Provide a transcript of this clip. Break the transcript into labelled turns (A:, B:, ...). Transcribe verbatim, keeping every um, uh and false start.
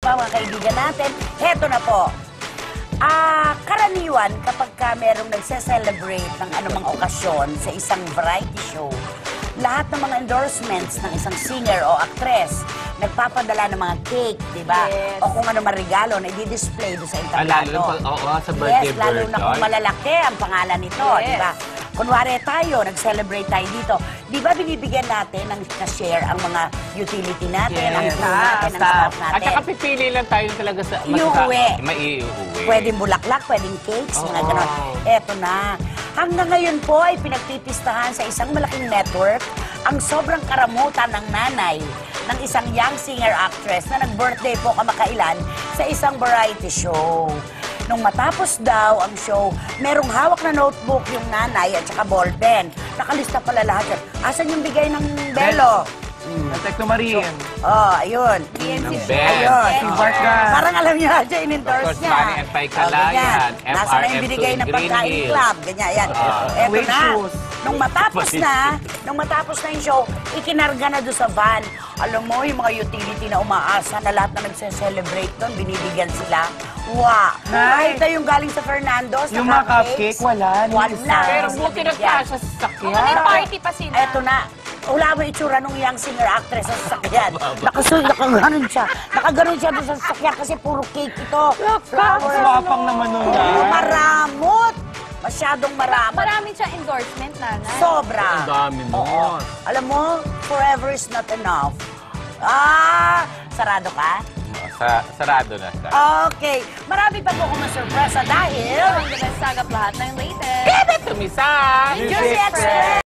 A: pa mga kaibigan natin. Heto na po. Ah, karaniwan kapag ka merong nagse-celebrate ng anumang okasyon sa isang variety show, lahat ng mga endorsements ng isang singer o actress, nagpapadala ng mga cake, di ba?
B: Yes.
A: O kung ano man regalo na i-display doon sa
C: Ah, lalo
A: entablado.
C: na oo, sa birthday
A: Yes, lalo na kung
C: birthday.
A: malalaki ang pangalan nito,
B: Yes.
A: di ba? Kunwari tayo, nag-celebrate tayo dito. Di ba binibigyan natin ng na-share ang mga utility natin, ang crew natin, ang staff
C: At
A: natin?
C: saka pipili lang tayo talaga sa...
A: Iuwi.
C: Maiuwi.
A: Pwedeng bulaklak, pwedeng cakes, mga
C: Oo.
A: ganon. Eto na. Hanggang ngayon po ay pinagpipistahan sa isang malaking network ang sobrang karamutan ng nanay ng isang young singer-actress na nag-birthday po kamakailan sa isang variety show. Nung matapos daw ang show, merong hawak na notebook yung nanay at saka ballpen. Nakalista pala lahat yan. Asan yung bigay ng belo?
D: Ang Tekno Marine.
A: Oh, ayun.
C: Ng
B: Si
C: Ben.
A: Ayun.
D: Si Barka.
A: Parang alam niyo na siya, in-endorse
C: Of course,
A: niya.
C: Manny and Pai Calayan,
A: ganyan.
C: F
A: Nasa
C: R
A: na yung
C: M
A: binigay
C: two
A: ng
C: in Green
A: pagkain
C: Hills.
A: club. Ganyan, yan.
C: Ah.
A: Eto
D: Wait
A: na.
D: shoes.
A: Nung matapos na, nung matapos na yung show, ikinarga na doon sa van. Alam mo, yung mga utility na umaasa na lahat na nagse-celebrate doon, binibigyan sila. Wow!
D: Nice.
A: Nakita yung galing sa Fernando's,
D: Yung
A: na
D: mga cupcake, wala.
A: Wala.
C: Pero
A: Hindi
C: buti
A: binigyan.
C: nagkasya sa sakyan.
B: May party pa sila.
A: Eto na. Wala mo itsura nung young singer-actress sa sasakyan. Nakasul, nakaganon siya. Nakaganon siya doon sa sasakyan kasi puro cake ito. Flowers.
D: Swapang naman nun
A: Oo,
D: yan.
A: maramot. Masyadong maramot.
B: Marami siyang endorsement, nanay.
A: Sobra.
C: Ang dami mo.
A: Oo. Alam mo, forever is not enough. Ah, sarado ka?
C: Sa, sarado na siya.
A: Okay. Marami pa po akong masurpresa dahil...
B: Ang the best sagap lahat ng latest.
C: Tumisan!
A: Juicy Express!